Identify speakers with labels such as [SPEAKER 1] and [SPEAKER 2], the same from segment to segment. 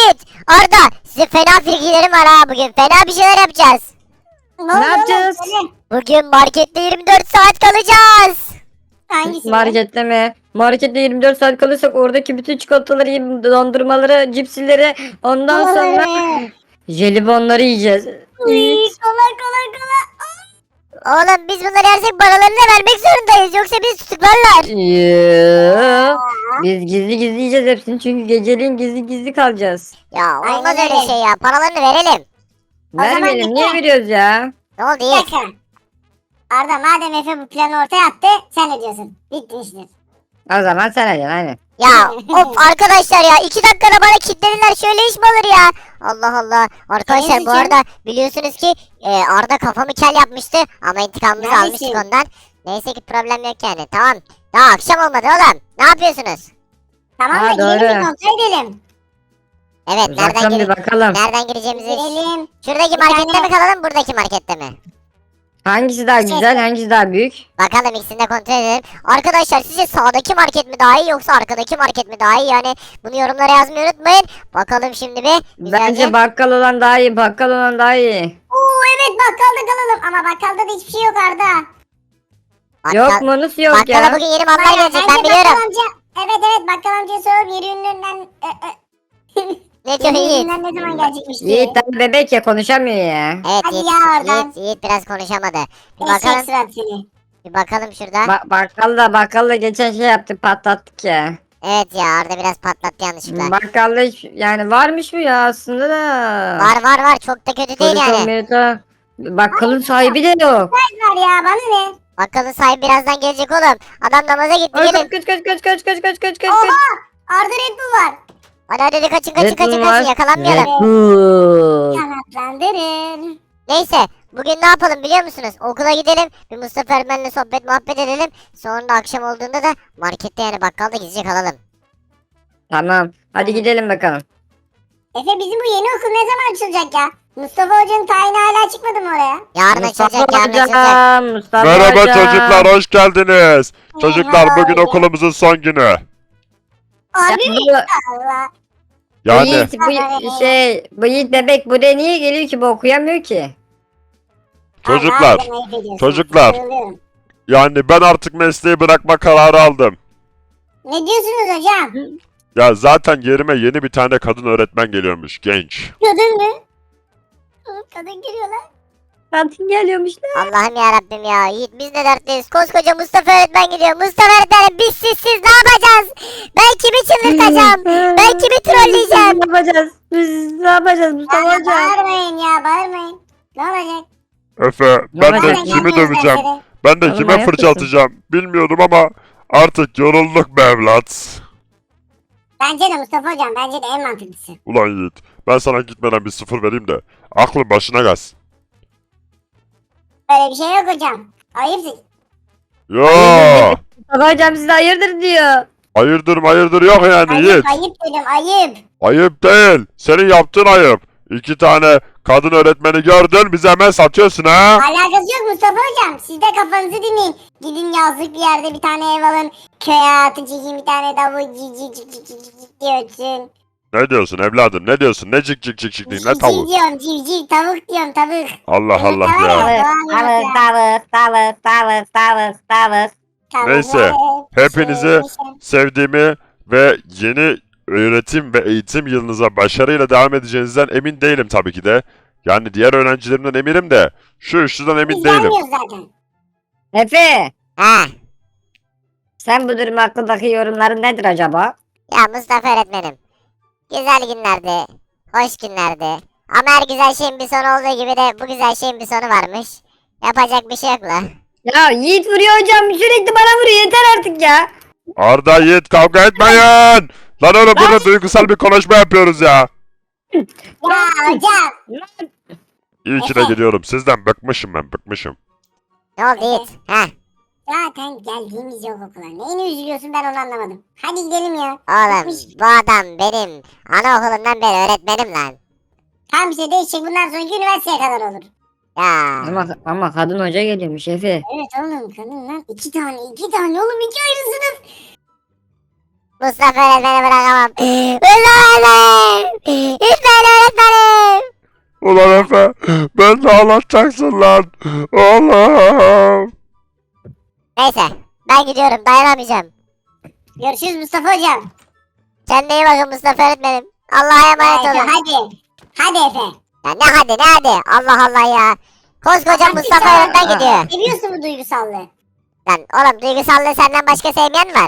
[SPEAKER 1] Yiğit, Arda, size fena fikirlerim var ha bugün. Fena bir şeyler yapacağız.
[SPEAKER 2] Ne yapacağız?
[SPEAKER 1] Bugün markette 24 saat kalacağız.
[SPEAKER 3] Hangisi?
[SPEAKER 2] Markette mi? Markette 24 saat kalırsak oradaki bütün çikolataları, dondurmaları, cipsileri, ondan sonra jelibonları yiyeceğiz.
[SPEAKER 3] Kolay kolay kolay.
[SPEAKER 1] Oğlum biz bunları yersek paralarını da vermek zorundayız. Yoksa bizi tutuklarlar.
[SPEAKER 2] Yoo. Biz gizli gizli yiyeceğiz hepsini çünkü geceliğin gizli gizli kalacağız.
[SPEAKER 1] Ya olmaz
[SPEAKER 3] Aynen
[SPEAKER 1] öyle
[SPEAKER 3] öyle.
[SPEAKER 1] şey ya. Paralarını verelim.
[SPEAKER 2] Vermeyelim, niye
[SPEAKER 3] bekle.
[SPEAKER 2] veriyoruz ya?
[SPEAKER 1] Ne oldu
[SPEAKER 3] Bir
[SPEAKER 1] Yiğit?
[SPEAKER 3] dakika. Arda madem Efe bu planı ortaya attı sen ne diyorsun? Bitti işler.
[SPEAKER 2] O zaman sen hadi hani.
[SPEAKER 1] Ya of arkadaşlar ya 2 dakikada bana kilitlediler, şöyle iş mi olur ya? Allah Allah. Arkadaşlar
[SPEAKER 3] Senin
[SPEAKER 1] bu
[SPEAKER 3] için-
[SPEAKER 1] arada biliyorsunuz ki Arda kafamı kel yapmıştı ama intikamımızı
[SPEAKER 3] Neredesin?
[SPEAKER 1] almıştık ondan. Neyse ki problem yok yani, tamam. Daha akşam olmadı oğlum. Ne yapıyorsunuz?
[SPEAKER 3] Tamam
[SPEAKER 2] Ha,
[SPEAKER 3] da gidelim
[SPEAKER 2] doğru.
[SPEAKER 3] bir kontrol edelim.
[SPEAKER 1] Evet,
[SPEAKER 2] Uzaktan bir bakalım.
[SPEAKER 1] nereden gireceğimizi.
[SPEAKER 3] Gidelim.
[SPEAKER 1] Şuradaki
[SPEAKER 3] Bir
[SPEAKER 1] markette
[SPEAKER 3] tane-
[SPEAKER 1] mi kalalım, buradaki markette mi?
[SPEAKER 2] Hangisi daha güzel, hangisi daha büyük?
[SPEAKER 1] Bakalım, ikisini de kontrol edelim. Arkadaşlar sizce sağdaki market mi daha iyi yoksa arkadaki market mi daha iyi? Yani bunu yorumlara yazmayı unutmayın. Bakalım şimdi bir.
[SPEAKER 2] Bence
[SPEAKER 1] Güzelce.
[SPEAKER 2] bakkal olan daha iyi, bakkal olan daha iyi.
[SPEAKER 3] Oo evet bakkalda kalalım ama bakkalda da hiçbir şey yok Arda.
[SPEAKER 2] Yok mu? Nasıl yok
[SPEAKER 1] Bakkala
[SPEAKER 2] ya?
[SPEAKER 1] bugün yeni mallar
[SPEAKER 3] Bayağı-
[SPEAKER 1] gelecek,
[SPEAKER 3] bence
[SPEAKER 1] ben biliyorum.
[SPEAKER 3] Bakkal amca, evet bakkal amcaya sorup yeri ünlünden
[SPEAKER 1] Ne diyor Yiğit?
[SPEAKER 3] ünlünden ne zaman gelecekmiş diye.
[SPEAKER 2] Yiğit daha bebek ya, konuşamıyor ya.
[SPEAKER 1] Evet
[SPEAKER 3] Hadi
[SPEAKER 1] Yiğit,
[SPEAKER 3] ya oradan.
[SPEAKER 1] Yiğit biraz konuşamadı. Bir
[SPEAKER 3] Eşek
[SPEAKER 1] bakalım,
[SPEAKER 3] surat seni.
[SPEAKER 1] bir bakalım şurada.
[SPEAKER 2] Bakkalla geçen şey yaptık, patlattık ya.
[SPEAKER 1] Evet ya, Arda biraz patlattı yanlışlıkla.
[SPEAKER 2] Bakkalda yani varmış mı ya aslında da.
[SPEAKER 1] Var çok da kötü değil
[SPEAKER 2] Çocuk
[SPEAKER 1] yani.
[SPEAKER 2] olmuyor. Bakkalın sahibi de yok.
[SPEAKER 3] Var ya bana ne?
[SPEAKER 1] Bakkalın sahibi birazdan gelecek oğlum. Adam namaza gitti,
[SPEAKER 2] Ay,
[SPEAKER 1] gelin.
[SPEAKER 2] kaç.
[SPEAKER 3] Oha! Arda Red Bull var.
[SPEAKER 1] Hadi kaçın
[SPEAKER 2] Red Bull var.
[SPEAKER 1] yakalanmayalım.
[SPEAKER 2] Red Bull.
[SPEAKER 3] Kanatlandırır.
[SPEAKER 1] Neyse, bugün ne yapalım biliyor musunuz? Okula gidelim, bir Mustafa öğretmenle sohbet muhabbet edelim. Sonra da akşam olduğunda da markette yani bakkalda gizlice kalalım.
[SPEAKER 2] Tamam. Hadi gidelim bakalım.
[SPEAKER 3] Efe bizim bu yeni okul ne zaman açılacak ya? Mustafa Hoca'nın tayini hala çıkmadı mı oraya?
[SPEAKER 1] Yarın
[SPEAKER 2] Mustafa
[SPEAKER 1] açılacak, yarın açılacak.
[SPEAKER 2] hocam. Mustafa
[SPEAKER 4] Merhaba
[SPEAKER 2] hocam.
[SPEAKER 4] çocuklar, hoş geldiniz. Çocuklar
[SPEAKER 3] Merhaba
[SPEAKER 4] bugün
[SPEAKER 3] hocam.
[SPEAKER 4] okulumuzun son günü.
[SPEAKER 3] Abi
[SPEAKER 2] Bu-
[SPEAKER 3] Allah.
[SPEAKER 4] Yani
[SPEAKER 2] bu Yiğit bebek buraya niye geliyor ki, bu okuyamıyor ki.
[SPEAKER 4] çocuklar,
[SPEAKER 3] Harbiden ayıp ediyorsun.
[SPEAKER 4] çocuklar.
[SPEAKER 3] Sarılıyorum.
[SPEAKER 4] yani ben artık mesleği bırakma kararı aldım.
[SPEAKER 3] Ne diyorsunuz hocam?
[SPEAKER 4] Ya zaten yerime yeni bir tane kadın öğretmen geliyormuş, genç.
[SPEAKER 3] Kadın mı? Kadın geliyor lan.
[SPEAKER 2] Kadın geliyormuş lan.
[SPEAKER 1] Allah'ım ya Rabbim ya. Yiğit biz ne dertliyiz? Koskoca Mustafa öğretmen gidiyor. Mustafa öğretmenim biz sizsiz ne yapacağız? Ben kimi çıldırtacağım? Ben kimi trolleyeceğim?
[SPEAKER 2] Ne yapacağız? Biz ne yapacağız Mustafa
[SPEAKER 3] Ya
[SPEAKER 2] hocam?
[SPEAKER 3] bağırmayın ya bağırmayın. Ne olacak?
[SPEAKER 4] Efe, ben de
[SPEAKER 2] Nereden
[SPEAKER 4] kimi
[SPEAKER 3] geldiniz
[SPEAKER 4] döveceğim,
[SPEAKER 3] dersleri?
[SPEAKER 4] ben de
[SPEAKER 2] Oğlum,
[SPEAKER 4] kime
[SPEAKER 2] manyak
[SPEAKER 4] fırça
[SPEAKER 2] mısın?
[SPEAKER 4] atacağım bilmiyordum ama artık yorulduk be evlat.
[SPEAKER 3] Bence de Mustafa hocam bence de en mantıklısı.
[SPEAKER 4] Ulan Yiğit, ben sana gitmeden bir sıfır vereyim de aklın başına gelsin.
[SPEAKER 3] Öyle bir şey yok hocam. Ayıpsın.
[SPEAKER 4] Yo,
[SPEAKER 2] Mustafa hocam size hayırdır diyor.
[SPEAKER 4] hayırdır yok yani
[SPEAKER 3] Ayıp
[SPEAKER 4] Yiğit.
[SPEAKER 3] ayıp dedim ayıp.
[SPEAKER 4] Ayıp değil. Senin yaptığın ayıp. 2 tane kadın öğretmeni gördün, bize hemen satıyorsun ha?
[SPEAKER 3] Alakası yok Mustafa hocam. Siz de kafanızı dinleyin. Gidin yazlık bir yerde bir tane ev alın. Köye hayatı çekin bir tane davul cik diye ötsün.
[SPEAKER 4] Ne diyorsun evladım, ne diyorsun? Ne cik cik cik cik değil, ne
[SPEAKER 3] Civciv
[SPEAKER 4] tavuk?
[SPEAKER 3] diyorum civciv tavuk diyorum tavuk.
[SPEAKER 4] Allah
[SPEAKER 3] Evet,
[SPEAKER 4] Allah
[SPEAKER 3] tamam
[SPEAKER 4] ya.
[SPEAKER 3] ya.
[SPEAKER 2] Tavuk.
[SPEAKER 3] Tavuk,
[SPEAKER 4] Neyse,
[SPEAKER 3] evet,
[SPEAKER 4] hepinizi
[SPEAKER 3] şey.
[SPEAKER 4] sevdiğimi ve yeni öğretim ve eğitim yılınıza başarıyla devam edeceğinizden emin değilim tabii ki de. Yani diğer öğrencilerimden eminim de şu üçlüden emin
[SPEAKER 3] Biz
[SPEAKER 4] değilim.
[SPEAKER 3] gelmiyoruz zaten.
[SPEAKER 2] Efe,
[SPEAKER 1] Ha.
[SPEAKER 2] sen bu durum hakkındaki yorumların nedir acaba?
[SPEAKER 1] Ya Mustafa öğretmenim. Güzel günlerdi. Hoş günlerdi. Ama her güzel şeyin bir sonu olduğu gibi de bu güzel şeyin bir sonu varmış. Yapacak bir şey yok la.
[SPEAKER 2] Ya Yiğit vuruyor hocam, sürekli bana vuruyor, yeter artık ya.
[SPEAKER 4] Arda, Yiğit, kavga etmeyin! Lan oğlum, burada duygusal bir konuşma yapıyoruz ya.
[SPEAKER 3] Ya hocam.
[SPEAKER 4] İyi ki de geliyorum. Sizden bıkmışım ben, bıkmışım.
[SPEAKER 1] Ne oldu Yiğit? Ha.
[SPEAKER 3] Zaten geldiğimiz yok okula. Neyini üzülüyorsun ben onu anlamadım. Hadi gidelim ya.
[SPEAKER 1] Oğlum
[SPEAKER 3] Bitmiş.
[SPEAKER 1] bu adam benim anaokulundan beri öğretmenim lan.
[SPEAKER 3] Tam bir şey değişecek bundan sonraki üniversiteye kadar olur.
[SPEAKER 1] Ya.
[SPEAKER 2] Ama kadın hoca geliyormuş Efe.
[SPEAKER 3] Evet oğlum kadın lan. İki tane oğlum iki ayrı sınıf.
[SPEAKER 1] Mustafa öğretmeni bırakamam. Mustafa öğretmenim.
[SPEAKER 4] Efe. Ben de ağlatacaksın lan. Oğlum.
[SPEAKER 1] Neyse ben gidiyorum dayanamayacağım.
[SPEAKER 3] Görüşürüz Mustafa hocam.
[SPEAKER 1] Kendine iyi bakın Mustafa öğretmenim. Allah'a emanet
[SPEAKER 3] Hadi
[SPEAKER 1] olun.
[SPEAKER 3] hadi. Hadi Efe.
[SPEAKER 1] Ya ne hadi ne hadi. Allah Allah ya. Koskoca Mustafa
[SPEAKER 3] sen-
[SPEAKER 1] önden gidiyor.
[SPEAKER 3] Seviyorsun bu duygusallığı.
[SPEAKER 1] Lan oğlum duygusallığı senden başka sevmeyen mi var?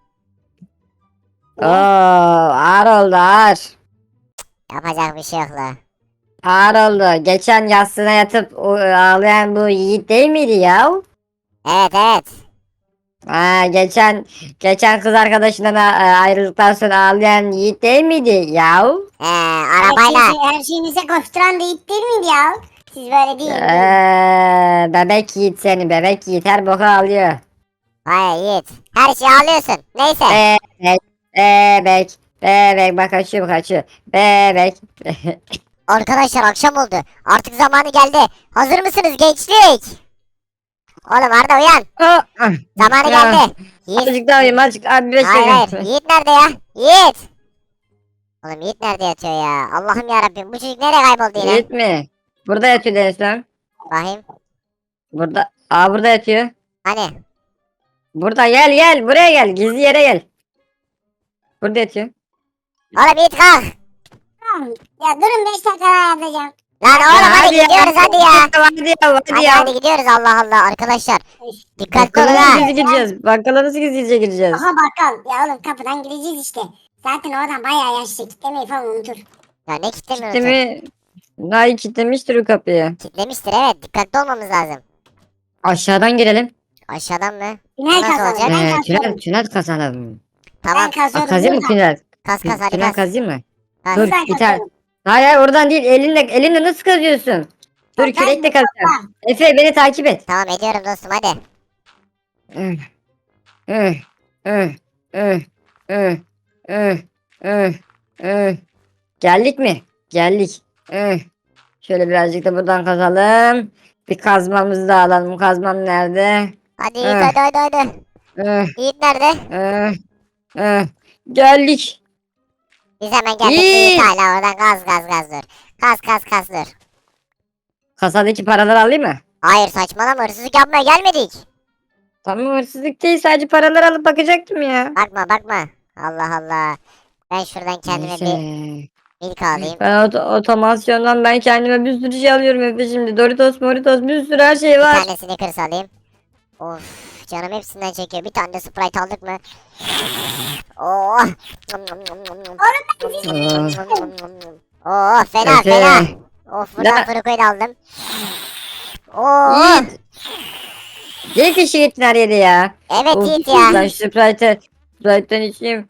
[SPEAKER 2] Oo, ağır oldu ağır.
[SPEAKER 1] Yapacak bir şey yok la.
[SPEAKER 2] Ağır oldu. Geçen yastığına yatıp ağlayan bu Yiğit değil miydi ya?
[SPEAKER 1] Evet evet.
[SPEAKER 2] Ha, geçen kız arkadaşından ayrıldıktan sonra ağlayan Yiğit değil miydi ya?
[SPEAKER 1] Arabayla.
[SPEAKER 3] Her şeyinize koşturan da it değil miydi ya? Siz böyle değil.
[SPEAKER 2] Bebek Yiğit seni bebek Yiğit her boku ağlıyor.
[SPEAKER 1] Vay Yiğit. Her şeyi alıyorsun. Neyse.
[SPEAKER 2] Bebek bebek bebek bak kaçıyor. Bebek.
[SPEAKER 1] Arkadaşlar akşam oldu. Artık zamanı geldi. Hazır mısınız gençlik? Oğlum Arda uyan. Zamanı
[SPEAKER 2] Ya.
[SPEAKER 1] geldi. Yiğit.
[SPEAKER 2] Azıcık daha uyuyayım azıcık abi 5
[SPEAKER 1] Hayır
[SPEAKER 2] dakika.
[SPEAKER 1] hayır. Yiğit nerede ya? Yiğit. Oğlum Yiğit nerede yatıyor ya? Allah'ım yarabbim bu çocuk nereye kayboldu yine?
[SPEAKER 2] Yiğit mi? Burada yatıyor Deniz lan.
[SPEAKER 1] Bakayım.
[SPEAKER 2] Burada. Burada yatıyor.
[SPEAKER 1] Hani?
[SPEAKER 2] Burada gel buraya gel gizli yere gel. Burada yatıyor.
[SPEAKER 1] Oğlum Yiğit kalk.
[SPEAKER 3] Tamam. Ya durun 5 dakika daha yatacağım.
[SPEAKER 1] Lan oğlum hadi
[SPEAKER 2] ya.
[SPEAKER 1] gidiyoruz hadi ya.
[SPEAKER 2] Hadi
[SPEAKER 1] Hadi
[SPEAKER 2] ya.
[SPEAKER 1] hadi gidiyoruz Allah Allah arkadaşlar. Dikkatli olun
[SPEAKER 2] Bakkala
[SPEAKER 1] ha.
[SPEAKER 2] nasıl gizli gireceğiz? Bakkala nasıl gizlice gireceğiz?
[SPEAKER 3] Aha bakkal. Ya oğlum kapıdan gireceğiz işte. Zaten oradan bayağı yaşlı. Kitlemeyi falan unutur.
[SPEAKER 1] Ya ne kitlemiyorsun?
[SPEAKER 2] Kitlemi... Nay kitlemiştir o kapıyı.
[SPEAKER 1] Kitlemiştir evet dikkatli olmamız lazım.
[SPEAKER 2] Aşağıdan girelim.
[SPEAKER 1] Aşağıdan mı?
[SPEAKER 3] Tünel
[SPEAKER 1] Nasıl
[SPEAKER 3] kazalım.
[SPEAKER 1] olacak?
[SPEAKER 3] Ben kazıyorum.
[SPEAKER 2] Tünel kazanalım.
[SPEAKER 1] Tamam
[SPEAKER 3] Ben kazıyorum.
[SPEAKER 2] Kazayım mı
[SPEAKER 3] buradan.
[SPEAKER 2] tünel?
[SPEAKER 1] kas hadi
[SPEAKER 2] Tünel
[SPEAKER 1] kas.
[SPEAKER 2] kazayım mı?
[SPEAKER 1] Kas.
[SPEAKER 2] Dur
[SPEAKER 3] Buradan
[SPEAKER 2] bir tane.
[SPEAKER 3] kazıyorum.
[SPEAKER 2] Hayır oradan değil elinle nasıl kazıyorsun? Dur
[SPEAKER 3] Ben
[SPEAKER 2] kürekle kazacağım.
[SPEAKER 3] Tamam.
[SPEAKER 2] Efe beni takip et.
[SPEAKER 1] Tamam ediyorum dostum hadi.
[SPEAKER 2] Üh, üh, üh, üh, üh, üh, üh, üh. Geldik mi? Geldik. Şöyle birazcık da buradan kazalım. Bir kazmamızı da alalım. Kazmam nerede?
[SPEAKER 1] Hadi Yiğit
[SPEAKER 2] Eh.
[SPEAKER 1] hadi. Yiğit nerede?
[SPEAKER 2] Geldik.
[SPEAKER 1] Biz hemen geldik.
[SPEAKER 2] Yiğit.
[SPEAKER 1] Yiğit hala oradan gaz dur. Kas dur.
[SPEAKER 2] Kasadaki paraları alayım mı?
[SPEAKER 1] Hayır saçmalama hırsızlık yapmaya gelmedik.
[SPEAKER 2] Tamam hırsızlık değil sadece paraları alıp bakacaktım ya.
[SPEAKER 1] Bakma. Allah Allah. Ben şuradan kendime bir
[SPEAKER 2] Neyse.
[SPEAKER 1] milk alayım.
[SPEAKER 2] Ben otomasyondan ben kendime bir sürü şey alıyorum Efe şimdi. Doritos, Moritos bir sürü her şey
[SPEAKER 1] Bir
[SPEAKER 2] var.
[SPEAKER 1] tane Snickers alayım. Of canım hepsinden çekiyor. Bir tane de Sprite aldık mı? Oh. Oh fena
[SPEAKER 2] Efe.
[SPEAKER 1] fena. Of buradan
[SPEAKER 2] Ya.
[SPEAKER 1] Furuko'yu da aldım. Oh.
[SPEAKER 2] Yiğit. Niye kişi gittin her yere ya?
[SPEAKER 1] Evet
[SPEAKER 2] Of,
[SPEAKER 1] Yiğit ya.
[SPEAKER 2] Ben Sprite'den içeyim.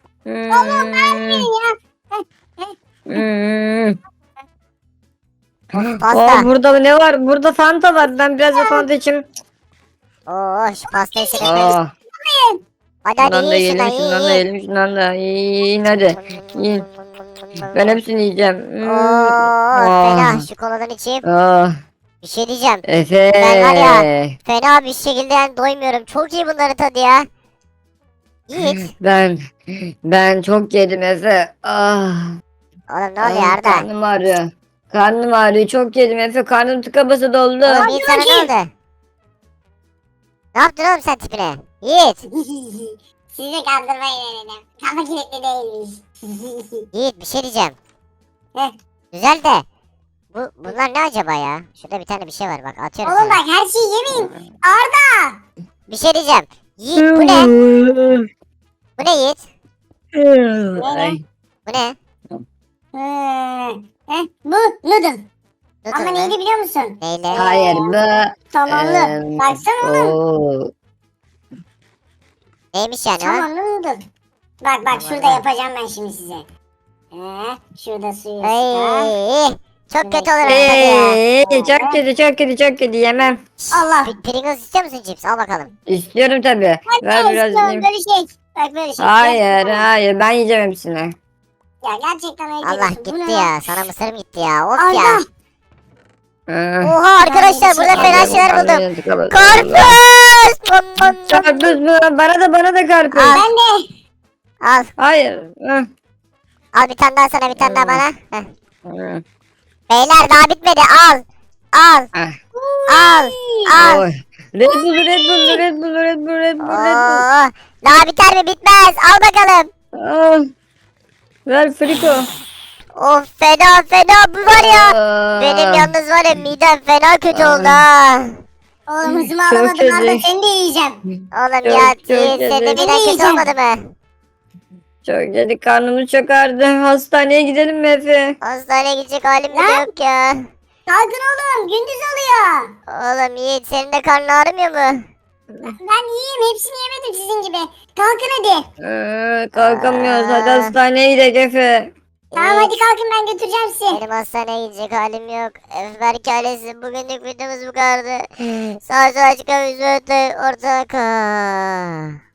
[SPEAKER 1] Pasta.
[SPEAKER 2] Burada ne var? Burada Fanta var. Ben biraz da Fanta içeyim.
[SPEAKER 1] Oh şu pastayı şöyle.
[SPEAKER 2] Oh,
[SPEAKER 1] Hadi hadi
[SPEAKER 2] şundan da
[SPEAKER 1] yiyin
[SPEAKER 2] yiyelim,
[SPEAKER 1] şundan
[SPEAKER 2] şundan da
[SPEAKER 1] yiyin.
[SPEAKER 2] yiyelim, şundan da yiyin hadi. Yiyin. Ben hepsini yiyeceğim.
[SPEAKER 1] Oh fena şu koladan içeyim.
[SPEAKER 2] Oh,
[SPEAKER 1] Bir şey diyeceğim.
[SPEAKER 2] Efe.
[SPEAKER 1] Ben var ya. Fena bir şekilde yani doymuyorum. Çok iyi bunların tadı ya. Yiğit.
[SPEAKER 2] Ben çok yedim Efe. Ah.
[SPEAKER 1] Oğlum ne oluyor Arda?
[SPEAKER 2] Karnım ağrıyor. Karnım ağrıyor. Çok yedim Efe. Karnım tıka basa doldu.
[SPEAKER 1] Oğlum Yiğit sana ne oldu? Ne yaptın oğlum sen tipine? Yiğit.
[SPEAKER 3] Sizi kandırmayın dedim. Kafa kilitli değilmiş.
[SPEAKER 1] Yiğit bir şey diyeceğim.
[SPEAKER 3] Heh.
[SPEAKER 1] Güzel de. Bunlar ne acaba ya? Şurada bir tane bir şey var bak atıyorum
[SPEAKER 3] Oğlum
[SPEAKER 1] sana.
[SPEAKER 3] bak her şeyi yemeyin. Arda.
[SPEAKER 1] Bir şey diyeceğim. Yiğit bu ne? Bu ne Yiğit?
[SPEAKER 2] Ay.
[SPEAKER 1] Bu ne?
[SPEAKER 3] Bu noodle.
[SPEAKER 1] Noodle
[SPEAKER 3] Ama
[SPEAKER 1] mu?
[SPEAKER 3] neydi biliyor musun?
[SPEAKER 1] Neyle?
[SPEAKER 2] Hayır bu.
[SPEAKER 3] Somonlu. Baksana oğlum.
[SPEAKER 2] Oo.
[SPEAKER 1] Neymiş yani o?
[SPEAKER 3] Somonlu noodle. Bak
[SPEAKER 1] Tamam,
[SPEAKER 3] şurada
[SPEAKER 1] tamam.
[SPEAKER 3] yapacağım ben şimdi size. Şurada suyu ısıtar.
[SPEAKER 1] Ay, çok kötü olur ama tadı ya.
[SPEAKER 2] Çok kötü yemem.
[SPEAKER 3] Allah.
[SPEAKER 1] Pringles istiyor musun cips? Al bakalım.
[SPEAKER 2] İstiyorum tabi. Ver biraz yiyeyim.
[SPEAKER 3] Böyle şey. Bak böyle şey.
[SPEAKER 2] Hayır ben yiyeceğim hepsini.
[SPEAKER 3] Ya gerçekten öyle
[SPEAKER 1] Allah
[SPEAKER 3] diyorsun. Bu
[SPEAKER 1] gitti
[SPEAKER 3] ne
[SPEAKER 1] ya. Sana mısırım gitti ya. Of
[SPEAKER 3] Arda.
[SPEAKER 1] ya.
[SPEAKER 2] Ah.
[SPEAKER 1] Oha arkadaşlar burada fena şeyler buldum. Karpuz!
[SPEAKER 2] Karpuz mu? Bana da karpuz.
[SPEAKER 1] Al.
[SPEAKER 3] Ben de.
[SPEAKER 1] Al.
[SPEAKER 2] Hayır. Ah.
[SPEAKER 1] Al bir tane daha sana bir tane daha bana. Heh. Beyler daha bitmedi. Al. Al.
[SPEAKER 2] Ah.
[SPEAKER 1] Al. Al.
[SPEAKER 2] Oy. Red Bull, Red Bull, Red Bull, Red Bull, Red Bull, Red Bull.
[SPEAKER 1] Oo, daha biter mi? Bitmez. Al bakalım.
[SPEAKER 2] Al. Ver Friko.
[SPEAKER 1] Of fena fena bu var ya.
[SPEAKER 2] Aa.
[SPEAKER 1] Benim yalnız var ya midem fena kötü oldu ha.
[SPEAKER 3] Oğlum hızımı
[SPEAKER 2] Çok
[SPEAKER 3] alamadım Arda
[SPEAKER 2] ezik.
[SPEAKER 3] seni de yiyeceğim.
[SPEAKER 1] Oğlum
[SPEAKER 2] Çok,
[SPEAKER 1] ya
[SPEAKER 2] çok
[SPEAKER 1] senin de
[SPEAKER 2] yedim.
[SPEAKER 1] miden kötü
[SPEAKER 3] Yiyeceğim.
[SPEAKER 1] olmadı mı?
[SPEAKER 2] Çok yedik, karnımız çok ağrıdı. Hastaneye gidelim mi Efe?
[SPEAKER 1] Hastaneye gidecek halim bile
[SPEAKER 3] Lan.
[SPEAKER 1] yok ya.
[SPEAKER 3] Kalkın oğlum gündüz oluyor.
[SPEAKER 1] Oğlum Yiğit senin de karnın ağrımıyor mu?
[SPEAKER 3] Ben yiyeyim hepsini yemedim sizin gibi. Kalkın hadi.
[SPEAKER 2] Kalkamıyoruz. Hadi
[SPEAKER 1] Aa.
[SPEAKER 2] hastaneye gidelim Efe.
[SPEAKER 3] Tamam hadi kalkın ben götüreceğim sizi.
[SPEAKER 1] Benim hastaneye gidecek halim yok. Berk ailesi bugünlük videomuz bu kadardı. Sağ sol açık ve ortada kal.